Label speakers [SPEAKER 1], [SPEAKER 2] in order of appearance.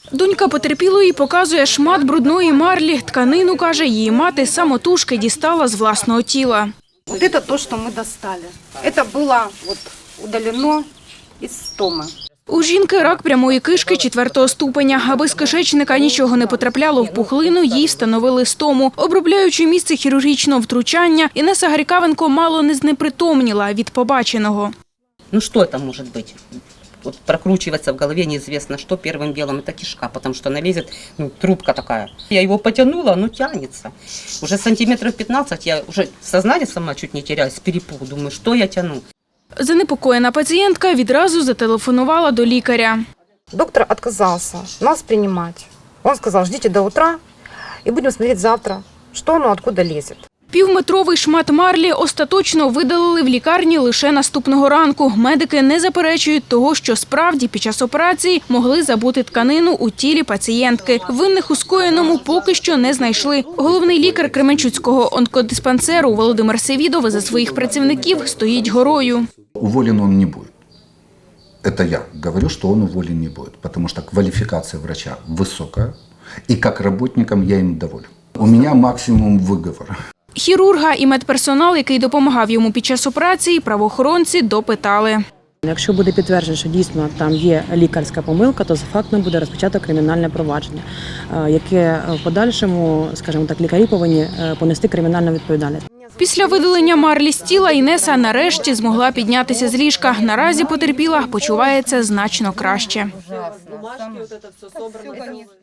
[SPEAKER 1] Донька потерпілої показує шмат брудної марлі. Тканину, каже, її мати самотужки дістала з власного тіла.
[SPEAKER 2] Вот это то, что мы достали. Это было вот удалено из стомы.
[SPEAKER 1] У жінки рак прямої кишки 4-го ступеня. Аби з кишечника нічого не потрапляло в пухлину, їй встановили стому. Обробляючи місце хірургічного втручання, Інеса Гарікавенко мало не знепритомніла від побаченого.
[SPEAKER 3] Ну что это может быть? Вот прокручивается в голове неизвестно что. Первым делом это кишка, потому что она лезет, трубка такая. Я его потянула, оно тянется. Уже сантиметров 15, я уже сознание сама чуть не теряюсь с перепугу. Думаю, что я тяну?
[SPEAKER 1] Занепокоєна пацієнтка відразу зателефонувала до лікаря.
[SPEAKER 2] Доктор отказался нас принимать. Он сказал, ждите до утра и будем смотреть завтра, что оно откуда лезет.
[SPEAKER 1] Півметровий шмат марлі остаточно видалили в лікарні лише наступного ранку. Медики не заперечують того, що справді під час операції могли забути тканину у тілі пацієнтки. Винних у скоєному поки що не знайшли. Головний лікар Кременчуцького онкодиспансеру Володимир Севідов за своїх працівників стоїть горою.
[SPEAKER 4] Уволен он не будет. Это я говорю, что он уволен не будет, потому что квалификация врача высокая, и как работникам я им доволен. У меня максимум выговор.
[SPEAKER 1] Хірурга і медперсонал, який допомагав йому під час операції, правоохоронці допитали.
[SPEAKER 5] Якщо буде підтверджено, що дійсно там є лікарська помилка, то за фактом буде розпочато кримінальне провадження, яке в подальшому, скажімо так, лікарі повинні понести кримінальну відповідальність.
[SPEAKER 1] Після видалення марлі з тіла Інеса нарешті змогла піднятися з ліжка. Наразі потерпіла, почувається значно краще.